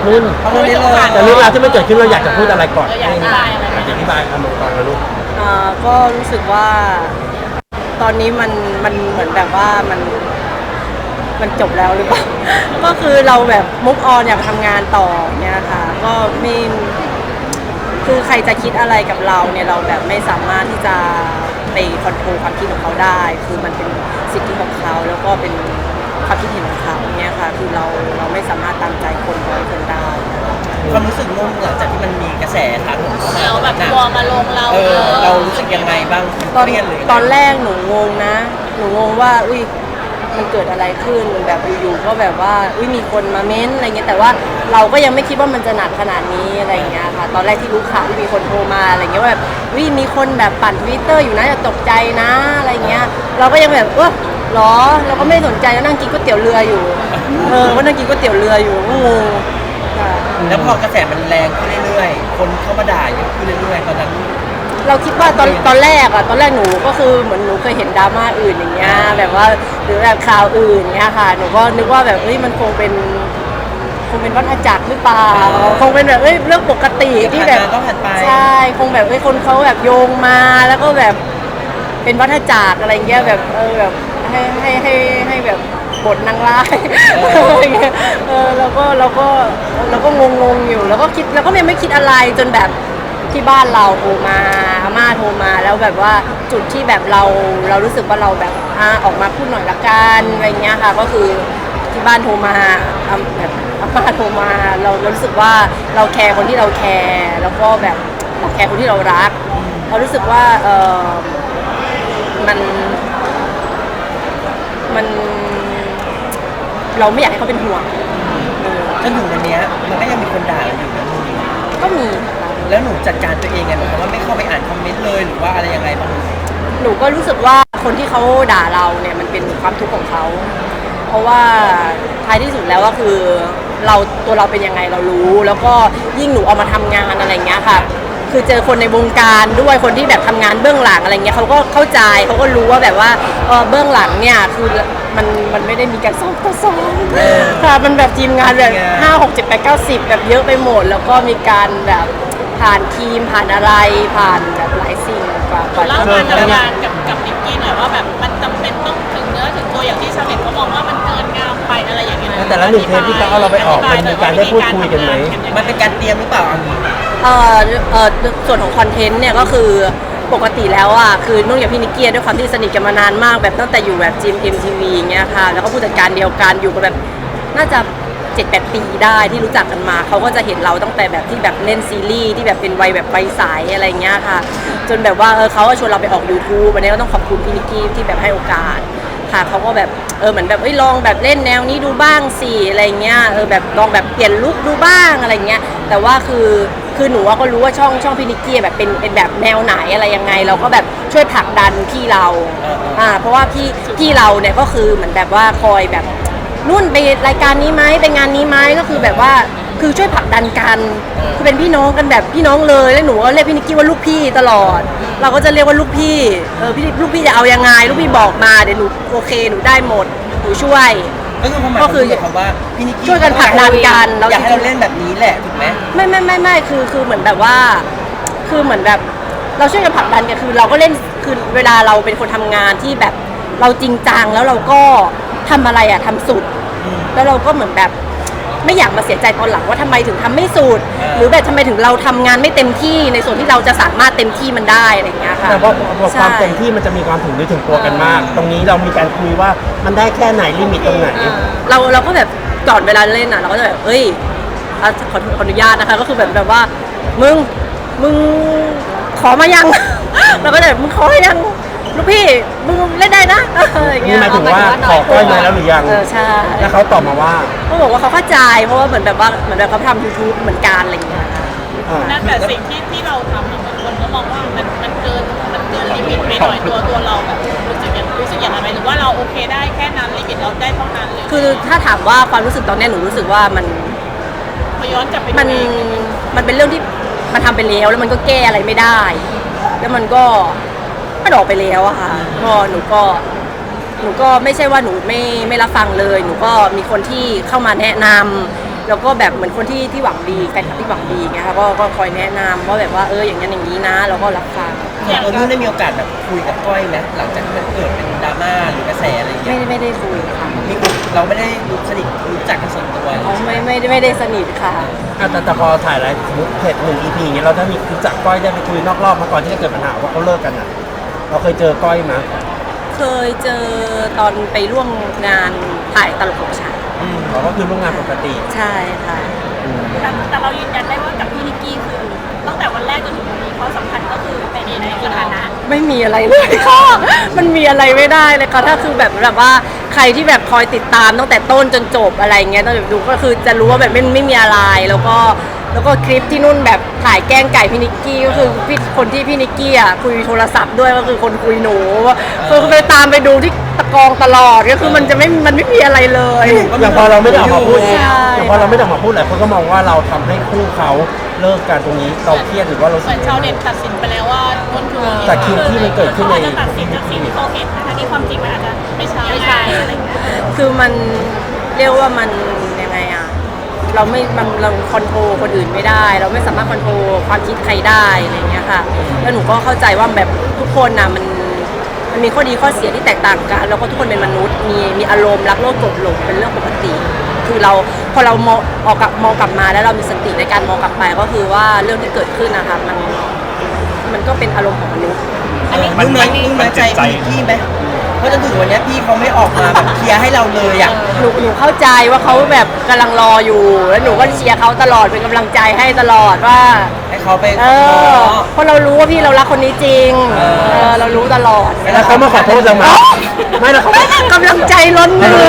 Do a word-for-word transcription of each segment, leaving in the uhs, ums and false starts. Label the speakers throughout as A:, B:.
A: นุ่น
B: เอาเรื่องนี้เลย
A: แต่เรื่องราวที่มันเกิดขึ้นเราอยากจะพูดอะไรก่อน
C: อยากอธิบายอะไร
A: อยากอธิบายคำก่อนนะลูก
D: อ่าก็รู้สึกว่าตอนนี้มันมันเหมือนแบบว่ามันมันจบแล้วหรือเปล่า ก็คือเราแบบมุกออนอยากทำงานต่อเนี่ยค่ะก็ไม่คือใครจะคิดอะไรกับเราเนี่ยเราแบบไม่สามารถที่จะไปคอนโทรลความคิดของเขาได้ คือมันเป็นสิทธิของเขาแล้วก็เป็นความคิดเห็นของเขาเนี่ยค่ะคือเราเราไม่สามารถตามใจคนร้อยคนได้
B: ความรู้สึกนุ่นหลังจากที่มันมีกระแสถาโถมเข้ามา
C: เราแบบ
B: หนัก
C: กลัวมาลงเรา
B: เออเรารู้สึกยังไงบ้าง
D: ตอน
B: เครียดเลย
D: ตอนแรกหนูงงนะ หนูงงว่าอุ้ยมันเกิดอะไรขึ้นแบบอยู่ๆก็แบบว่าอุ้ยมีคนมาเม้นอะไรเงี้ยแต่ว่าเราก็ยังไม่คิดว่ามันจะหนักขนาดนี้อะไรเงี้ยค่ะตอนแรกที่รู้ข่าวที่มีคนโทรมาอะไรเงี้ยว่าแบบอุ้ยมีคนแบบปั่นทวิตเตอร์อยู่นะอย่าตกใจนะอะไรเงี้ยเราก็ยังแบบเออหรอเราก็ไม่สนใจแล้วนั่งกินก๋วยเตี๋ยวเรืออยู่เออก็นั่งกินก๋วยเตี๋ยวเรืออยู่ก็งงค่ะ
B: แล้วพอกระแสมันแรงขึ้นเรื่อยๆ คนเข้ามาด่าเยอะขึ้นเรื่อยๆตอนนั้น
D: เราคิดว่าตอนตอนแรกอะตอนแรกหนูก็คือเหมือนหนูเคยเห็นดราม่าอื่นอย่างเงี้ยแบบว่าหรือแบบข่าวอื่นเงี้ยค่ะหนูก็นึกว่าแบบเฮ้ยมันคงเป็นคงเป็นวัฏจักรหรือเปล่าคงเป็นแบบเอ้ยเรื่องปกติที่แบบ
B: ผ่านมาก็ผ่านไป
D: ใช่คงแบบเอ้ยคนเขาแบบโยงมาแล้วก็แบบเป็นวัฏจักรอะไรเงี้ยแบบเออแบบให้ให้ให้ให้แบบบทนางร้ายอะไรเงี้ยเออเราก็เราก็เราก็งงงๆอยู่แล้วก็คิดแล้วก็ยังไม่คิดอะไรจนแบบที่บ้านเราโทรมาอาม่าโทรมาแล้วแบบว่าจุดที่แบบเราเรารู้สึกว่าเราแบบอ่าออกมาพูดหน่อยละกันอะไรเงี้ยค่ะก็คือที่บ้านโทรมาอ่าแบบอาม่าโทรมาเราเรารู้สึกว่าเราแคร์คนที่เราแคร์แล้วก็แบบเราแคร์คนที่เรารักเรารู้สึกว่าเออมันมันเราไม่อยากให้เขาเป็นห่วงเออ
B: จนถึงวันเนี้ยมันก็ยังมีคนด่าเราอยู่นะ
D: ก็มีค่ะ
B: แล้วหนูจัดการตัวเองไงหนูว่าไม่เข้าไปอ่านคอมเมนต์เลยหรือว่าอะไรยังไงบ้าง
D: หนูก็รู้สึกว่าคนที่เขาด่าเราเนี่ยมันเป็นความทุกข์ของเขา เพราะว่าท้ายที่สุดแล้วก็คือเราตัวเราเป็นยังไงเรารู้ แล้วก็ยิ่งหนูเอามาทำงานอะไรเงี้ยค่ะ คือเจอคนในวงการด้วยคนที่แบบทำงานเบื้องหลังอะไรเงี้ยเขาก็เข้าใจเขาก็รู้ว่าแบบว่าเออเบื้องหลังเนี่ยคือมันมันไม่ได้มีการซ้อมต่อซ้อมค่ะมันแบบทีมงานแบบห้าหกเจ็ดแปดเก้าสิบแบบเยอะไปหมด แล้วก็มีการแบบผ่านทีมผ่านอะไรผ่านแบบหลายสิ่งกว่ากว่า
C: เล่า
D: จะ
C: การทำงานกับกับนิกกี้หน่อยว่าแบบมันจำเป็นต้องถึงเนื้อถึงตัวอย่างที่ชาวเน็ตเขามองว่ามันเกินงามไปอะไรอย่างเงี้ย
A: แต่ละหนึ่งเทปที่เขาเอาเราไปออกมันมีการได้พูดคุยกันไหม
B: มันเป็นการเตรียมหรือเปล่าอันนี้
D: เอ่อเอ่อส่วนของคอนเทนต์เนี่ยก็คือปกติแล้วอ่ะคือนุ่นกับพี่นิกกี้ด้วยความที่สนิทกันมานานมากแบบตั้งแต่อยู่แบบจีมเอ็มทีวีเงี้ยค่ะแล้วก็ผู้จัดการเดียวกันอยู่กันแบบน่าจะเจ็ดแปดปีได้ที่รู้จักกันมาเขาก็จะเห็นเราตั้งแต่แบบที่แบบเล่นซีรีส์ที่แบบเป็นวัยแบบวัยใสอะไรเงี้ยค่ะจนแบบว่าเออเขาก็ชวนเราไปออก YouTube อันนี้ก็ต้องขอบคุณพี่นิกกี้ที่แบบให้โอกาสค่ะเขาก็แบบเออเหมือนแบบเอ้ยลองแบบเล่นแนวนี้ดูบ้างสิอะไรเงี้ยเออแบบลองแบบเปลี่ยนลุคดูบ้างอะไรเงี้ยแต่ว่าคือคือหนูก็รู้ว่าช่องช่องพี่นิกกี้แบบเป็นเป็นแบบแนวไหนอะไรยังไงเราก็แบบช่วยผลักดันพี่เราอ่าเพราะว่าพี่พี่เราเนี่ยก็คือเหมือนแบบว่าคอยแบบนุ่นไปรายการนี้ไหมไปงานนี้ไหมก็คือแบบว่าคือช่วยผลักดันกันคือเป็นพี่น้องกันแบบพี่น้องเลยแล้วหนูก็เรียกพี่นิกกี้ว่าลูกพี่ตลอด เราก็จะเรียกว่าลูกพี่เออพี่ลูกพี่จะเอายังไงลูกพี่บอกมาเดี๋ยวหนูโอเคหนูได้หมดหนูช่วย
B: ก็คือความหมาย
D: ก็
B: ข
D: คือ
B: องคำว่าพี่นิกกี้
D: ช่วยกันผลักดันกันแล้ว
B: อยากให้เราเล่นแบบนี้แหละถูกไหม
D: ไม่ไม่ไม่ไม่คือคือเหมือนแบบว่า คือเหมือนแบบเราช่วยกันผลักดันกันคือเราก็เล่นคือเวลาเราเป็นคนทำงานที่แบบเราจริงจังแล้วเราก็ทำอะไรอะทำสุด แล้วเราก็เหมือนแบบไม่อยากมาเสียใจตอนหลังว่าทำไมถึงทำไม่สุด หรือแบบทำไมถึงเราทำงานไม่เต็มที่ในส่วนที่เราจะสามารถเต็มที่มันได้อะไรอย่างเงี้ยค่ะ
A: แต่ว่าความเต็มที่มันจะมีความถึงนึกถึงตัวกันมาก ตรงนี้เรามีการคุยว่ามันได้แค่ไหนลิมิตตรงไหน
D: เราเราก็แบบก่อนเวลาเล่นอ่ะเราก็จะแบบเอ้ยอ่ะขอขออนุญาตนะคะก็คือแบบแบบว่ามึงมึงขอมายัง เราก็จะแบบมึงขอมายังลูกพี่มึงเล่นได้นะอะไรอย่างเงี้
A: นี่
D: ย
A: หมายถึงว่าขอก้อยมาแล้วหรือยัง
D: เออใช่
A: แล้วเขาตอบมาว่า
D: เขาบอกว่าเขาเข้าใจเพราะว่าเหมือนแบบว่าเหมือนแบบเขาทำยูทูบเหมือนกันอะไรอย่างเงี้ย
A: อ่า
C: นั่นแต่สิ่งที่ที่เราทำอะบางคนก็มองว่ามันมันเกินมันเกินลิมิตไปหน่อยตัวตัวเราแบบรู้สึกอย่างรู้สึกอย่างไรไหมหรือว่าเราโอเคได้แค่นั้นลิมิตเราได้เท่านั้นเลย
D: คือถ้าถามว่าความรู้สึกตอนเนี้ยหนูรู้สึกว่ามัน
C: พอย้อนกลับไปดู
D: มัน
C: เอง
D: มันเป็นเรื่องที่มันทำไปแล้วแล้วมันก็แก้อะไรไม่ได้ แล้วมันก็มันออกไปแล้วอะค่ะก็หนูก็หนูก็ไม่ใช่ว่าหนูไม่ไม่รับฟังเลย หนูก็มีคนที่เข้ามาแนะนำแล้วก็แบบเหมือนคนที่ที่หวังดีแฟนคลับที่หวังดีไงคะก็ก็คอยแนะนำว่าแบบว่าเอออย่างนั้นอย่างนี้นะเราก็รับฟัง
B: ส่วนตัวนุ่นได้มีโอกาสแบบคุยกับก้อยไหมหลังจากที่มันเกิดเป็นดราม่าหรือกระแสอะไรอย่างเงี้
D: ไม่
B: ย
D: ได้ไม่ได้คุยค่ะ
B: นี่เราไม่ได้รู้สนิทรู้จักกันส่วนตัว
D: อ๋อไม่ไม่ได้ไม่ได้สนิทค่ะ
A: อ่ะแต่แต่พอถ่ายอะไรสมมติเพจหนึ่ง อี พี อย่างเงี้ยเราถ้ามีรู้จักก้อยได้ไปคุยนอกรอบมาก่อนที่จะเกิดปัญหาว่าเขาเลิกกันอ่ะเราเคยเจอก้อยไหม
D: เคยเจอตอนไปร่วมงานถ่ายตลกของฉัน
A: เราก็คือร่วมงานปกติ
D: ใช่ค่ะ
C: แต่แต่เรายืนยันได้ว่ากับพี่นิกกี้คือตั้งแต่วันแรกจนถึงวันนี้เขาสัมพันธ์ก็คือเป็นในสถานะ
D: ไม่มีอะไรเลยค่ะ มันมีอะไรไม่ได้เลยค่ะถ้าคือแบบแบบว่าใครที่แบบคอยติดตามตั้งแต่ต้นจนจบอะไรเงี้ยต้องแบบดูก็คือจะรู้ว่าแบบไม่ไม่มีอะไรแล้วก็แล้วก็คลิปที่นุ่นแบบถ่ายแกล้งไก่พี่นิกกี้ก็คือพี่คนที่พี่นิกกี้อ่ะคุยโทรศัพท์ด้วยก็คือคนคุยหนูคือไปตามไปดูที่ตะกองตลอดก็คือมันจะไม่มันไม่มีอะไรเลย
A: อย่างพอเราไม่ได้ออกมาพูด
D: ใช่
A: อย่างพอเราไม่ได้ออกมาพูดหลายคนก็มองว่าเราทำให้คู่เขาเลิกกันตรงนี้เราเครียดหรือว่าเรา
C: เหมือนชาวเน็ตตัดสินไปแล้วว่านุ่นคือ
A: แต่คลิปที่มันเกิดขึ้นใน
C: เขาจะตัดสินจากสิ่งที่เขาเห็นนะคะที่ความจริงมันอาจจะไม่ใช่ไม่ใช่อะไรอย่างเงี้ย
D: คือมันเรียกว่ามันยังไงอะเราไม่มันเราคอนโทรลคนอื่นไม่ได้ เราไม่สามารถคอนโทรลความคิดใครได้อะไรอย่างเงี้ยค่ะแล้วหนูก็เข้าใจว่าแบบทุกคนนะมันมันมีข้อดีข้อเสียที่แตกต่างกันแล้วก็ทุกคนเป็นมนุษย์มีมีอารมณ์รักโลภโกรธหลงเป็นเรื่องปกติ คือเราพอเรามองออกกลับมองกลับมาแล้วเรามีสติในการมองกลับไปก็คือว่าเรื่องที่เกิดขึ้นนะคะมันมันก็เป็นอารมณ์ของมนุษย์
B: อันนี้นุ่นน้อยนุ่นน้อยใจพี่นิกกี้ไหมเพราะจนถึงวันนี้พี่เขาไม่ออกมาแบบเคลียร์ให้เราเลยอ่ะ
D: หนูหนูเข้าใจว่าเขาแบบกำลังรออยู่แล้วหนูก็เชียร์เขาตลอดเป็นกำลังใจให้ตลอดว่า
B: ให้เขาไป
D: เออเพราะเรารู้ว่าพี่เรารักคนนี้จริงเออเรารู้ตลอด
A: แล้วเขามาขอโทษเราไหมไม่แล้วเขา
D: กำลังใจล้นมือ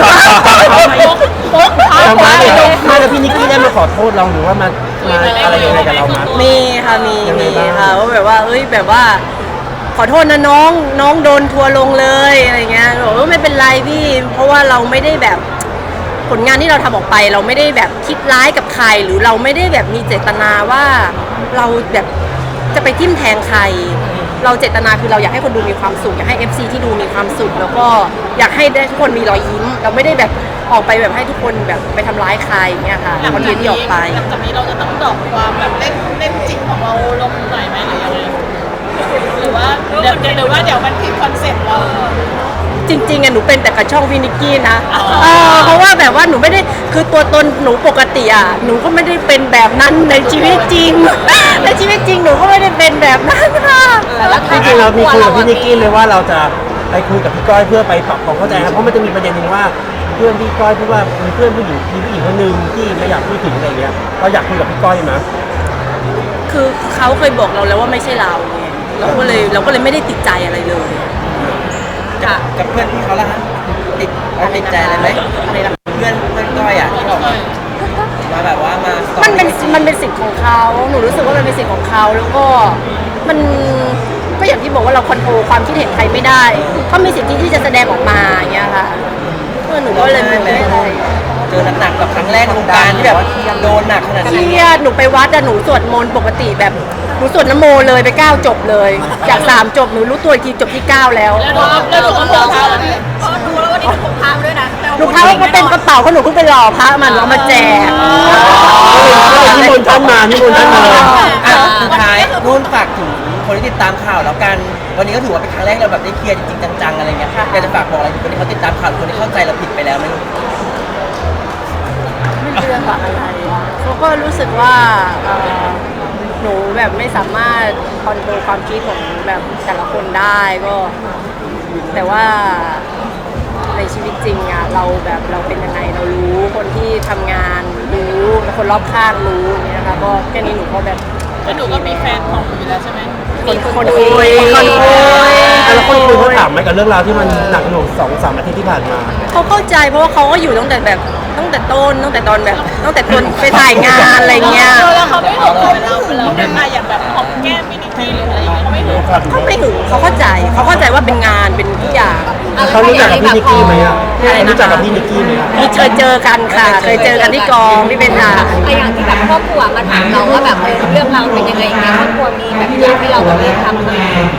A: เรามาเนี่ยไม่แล้วพี่นิกกี้ได้มาขอโทษเราหรือว่ามามาอะไรยังไงกับเรามา
D: มีค่ะมี
A: ยังไง
D: มี
A: บ้าง
D: ค่ะว่าแบบว่าเอ้ยแบบว่า ขอโทษนะน้องน้องโดนทัวร์ลงเลยอะไรเงี้ยบอกว่าไม่เป็นไรพี่ เพราะว่าเราไม่ได้แบบผลงานที่เราทำออกไป เราไม่ได้แบบคิดร้ายกับใคร หรือเราไม่ได้แบบมีเจตนาว่าเราแบบจะไปทิ่มแทงใคร เราเจตนาคือเราอยากให้คนดูมีความสุขอยากให้ เอฟ ซี ที่ดูมีความสุขแล้วก็อยากให้ได้ทุกคนมีรอยยิ้ม เราไม่ได้แบบออกไปแบบให้ทุกคนแบบไปทำร้ายใครเงี้ยค่ะคอนเทนต์ที่ออกไป
C: หลังจากนี้เราจะต้องดรอปความแบบเล่นเล่นจริงของเราลงหน่อยไหมหรือยังไงหรือว่าเดี๋ยวหรือว่าเดี๋ยวมันผิดคอนเซ็ปต์เรา
D: จริงๆอะหนูเป็นแต่กับช่องพี่นิกกี้นะ
C: อ๋อ
D: เออเพราะว่าแบบว่าหนูไม่ได้คือตัวตนหนูปกติอะหนูก็ไม่ได้เป็นแบบนั้นในชีวิตจริง ในชีวิตจริงหนูก็ไม่ได้เป็นแบบนั้นค่ะ
A: จริงๆเรามีคุยกับพี่นิกกี้เลยว่าเราจะไปคุยกับพี่ก้อยเพื่อไปปรับความเข้าใจครับเพราะมันจะมีประเด็นหนึ่งว่าเพื่อนพี่ก้อยพูดว่ามีเพื่อนผู้หญิงมีผู้หญิงคนหนึ่งที่ไม่อยากพูดถึงอะไรเงี้ยเราอยากคุยกับพี่ก้อยไหม
D: คือเขาเคยบอกเราแล้วว่าไม่ใช่เราไงเราก็เลยเราก็เลยไม่ได้ติดใจอะไรเลยค่ะ
B: กับเพื่อนพี่เขาละฮะติดเอาติดใจอะไรไหม
D: อะไรล่ะ
B: เพื่อนเพื่อนก้อยอ่ะที่ออกมามาแบบว่ามาสอ
D: มันเป็นมันเป็นสิทธิ์ของเขาหนูรู้สึกว่ามันเป็นสิทธิ์ของเขาแล้วก็มันก็อย่างที่บอกว่าเราคอนโทรลความคิดเห็นใครไม่ได้เขามีสิทธิที่จะแสดงออกมาอย่างเงี้ยค่ะเออหนูก็เลยไม่ได้อะไร
B: เจอหนักๆแบบครั้งแรกในวงการที่แบบโดนหนักขนาด
D: เค
B: นี้
D: รียดหนูไปวัดอะหนูสวดมนต์ปกติแบบหนูสวดนโมเลยไปเก้าจบเลย จากสามจบหนูรู้ตัวอีกทีจบที่เก้าแล้ว
C: แล้วหนูแล้วหนูก็พกพาวันนี้พอดูแล้ววันนี้หนูพกพามาด้วยนะ
D: หนูพาว่าเต็มกระเป๋าเขาหนูเพิ่งไปหล่อพระมันเอามาแจก
A: นิมนต์ท่านมานิมนต์ท่านมา
B: อ่ะสุดท้ายนุ่นฝากถึงคนที่ติดตามข่าวแล้วกัน วันนี้ก็ถือว่าเป็นครั้งแรกเราแบบได้เคลียร์จริงๆจังๆอะไรเงี้ยอยากจะฝากบอกอะไรถึงคนที่เขาติดตามข่าวหรือคนที่เข้าใจเราผิดไปแล้วไหม
D: ไม่รู้จะฝากอะไรเขาก็รู้สึกว่าเอ่อหนูแบบไม่สามารถคอนโทรลความคิดของแบบแต่ละคนได้ก็ แต่ว่าในชีวิตจริงอะเราแบบเราเป็นยังไงเรารู้คนที่ทำงานรู้คนรอบข้างรู้อย่างเงี้ยนะคะก็แค่นี้หนูก็แบบ
C: แล้วหนูก็มีแฟนของหนูอยู่แล้วใช่ไหม
D: มีคนคุยคนคุย
A: แล้วคนคุยเขาถามไหมกับเรื่องราวที่มันหนักหน่วงสองสามอาทิตย์ที่ผ่านมา
D: เขาเข้าใจเพราะว่าเขาก็อยู่ตั้งแต่แบบตั้งแต่ต้นตั้งแต่ตอนแบบตั้งแต่ตอนไปถ่ายงานอะไรเงี้ย
C: แล้วเขาไม่หึงเราเราเราเป็นมาอย่างแบบหอมแก้มมินิกี้หรืออะไรอย่างเงี้ยเขาไม่หึง
D: เขาไม่หึงเขาเข้าใจเขาเข้าใจว่าเป็นงานเป็นทุกอย่าง
A: เขารู้จักกับพี่นิกกี้ไหมอ่ะ
D: อะไรนะคะ
A: รู้จักกับพี่นิกกี้ไหมอะ
D: มีเคยเจอกันค่ะ เคยเจอกันที่กองที่เป็นทาง
E: ไออย่างที่แบบครอบครัวมาถามเราว่าแบบเออเรื่องราวเป็นยังไงอย่างเงี้ยครอบครัวมีแบบอยากให้เราแบบเลิกทำไหม
A: ม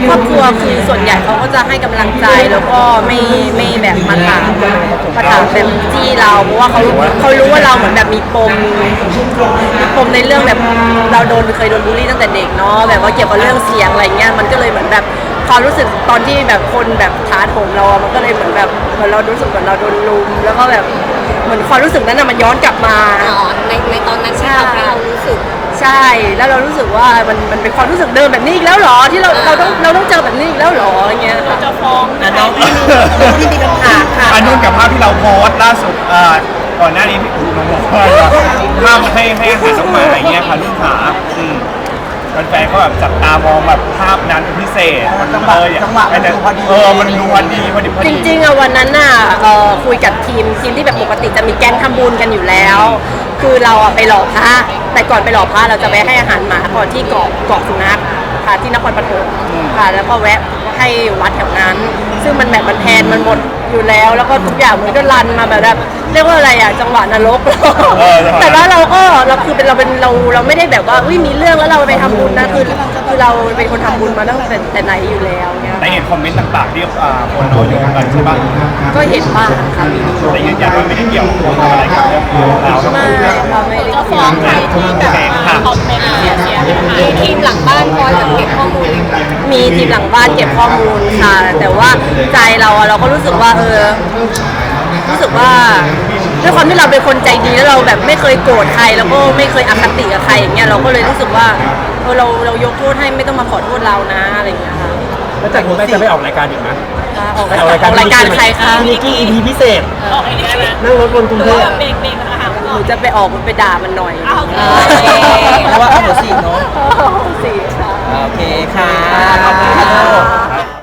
D: ครอบครัวคือส่วนใหญ่เขาก็จะให้กำลังใจแล้วก็ไม่ไม่แบบมาถามมาถามแบบจี้เราเพราะว่าเขาเขารู้ว่าเราเหมือนแบบมีปมมีปมในเรื่องแบบเราโดนเคยโดนบูลลี่ตั้งแต่เด็กเนาะแบบว่าเกี่ยวกับเรื่องเสียงอะไรเงี้ยมันก็เลยเหมือนแบบความรู้สึกตอนที่แบบคนแบบท้าโถมเราอะมันก็เลยเหมือนแบบเหมือนเรารู้สึกเหมือนเราโดนลุมแล้วก็แบบเหมือนความรู้สึกนั้นน่ะมันย้อนกลับมา
E: อ๋อในในตอนนั้นที่ทำให้เรารู้สึก
D: ใช่ แล้วเรารู้สึกว่ามันมันเป็นความรู้สึกเดิมแบบนี้อีกแล้วเหรอที่เราเราต้องเราต้องเจอแบบนี้อีกแล้วเหรออย่างเงี้ยค่ะ
C: จะฟ้อง
B: อ่ะ
C: นะ
B: น้องพี่มีน้องพี่มีคำถามค่ะ
F: อันนู้นกับภาพที่เราโพสต์ล่าสุดอ่าก่อนหน้านี้พี่อู๋น้องบอกว่าภาพให้ให้อาหารน้องหมาอย่างเงี้ยค่ะลูกขาอืมแฟนๆก็แบบจับตามองแบบภาพนั้นเป็นพิเศษ
B: จังหวะ
F: เออ
B: จังหวะมันดูพอดี
F: เออมันดูพอดีพอดีพอ
D: จ
F: ดี
D: ริงๆอะวันนั้นน่ะเอ่อคุยกับทีมทีมที่แบบปกติจะมีแก๊งทำบุญกันอยู่แล้ว คือเราอะไปหล่อพระแต่ก่อนไปหล่อพระเราจะไปให้อาหารหมาก่อนที่เกาะเกาะสุนัขค่ะที่นครปฐมค่ะแล้วก็แวะให้วัดแถวนั้น ซึ่งมันแบบมันแพนมันหมดอยู่แล้ว แล้วก็ทุกอย่างมันก็รันมาแบบเรียกว่าอะไรอะจังหวะนรก
F: เออจังหวะ
D: แต่ว่าเราก็เราคือเป็นเราเป็นเราเราไม่ได้แบบว่าอุ้ยมีเรื่องแล้วเราไปทำบุญนะคือคือเราเป็นคนทำบุญมาตั้งแต่แต่ไหนอยู่แล้วเนี่ย
F: แต่เห็นคอมเมนต์ต่างๆที่อ่าคนเอาโยงกันใช่ปะ
D: ก็เห็นบ้างค่ะมี
F: แต่ยืนยันว่าไม่ได้เกี่ยวกับอะไรกับเรื่องเราทั้ง
D: ไม่
F: คู่
D: ค่ะไม่ได้
C: จะฟ้องใครที่แบบมาคอมเมนต์เสียเสียหาย
E: มีทีมหลังบ้านคอยแบบเก็บข้อมูล
D: มีทีมหลังบ้านเก็บข้อมูลค่ะ แต่ว่าใจเราอะเราก็รู้สึกว่าเออรู้สึกว่าด้วยความที่เราเป็นคนใจดีแล้วเราแบบไม่เคยโกรธใครแล้วก็ไม่เคยอคติกับใครอย่างเงี้ยเราก็เลยรู้สึกว่าเออเราเรายกโทษให้ไม่ต้องมาขอโทษเรานะอะไรอย่างเงี้ยค่ะ
A: แล้วจากนี้แม่จะไม่ออกรายการอีกไหม
D: ออก
A: ไปออกรายการ
D: รายการใครคะ
A: พี่นิกกี้ อี พี พิเศษ
C: ออกไอ้นี่ได้ไหม
A: นั่งรถบนกรุง
C: ห
A: เท
C: รือ
A: พ
C: ว่าเบรกเบรกอาหาร
D: ห
C: ก่อ
D: นู
C: น
D: จะไปออกไปด่ามันหน่อย
C: อ้าวโอเค
B: เพราะว่าเอาหัวสีเนาะ
D: สี่ค่ะ
B: โอเคค่ะ ขอบคุณค่ะ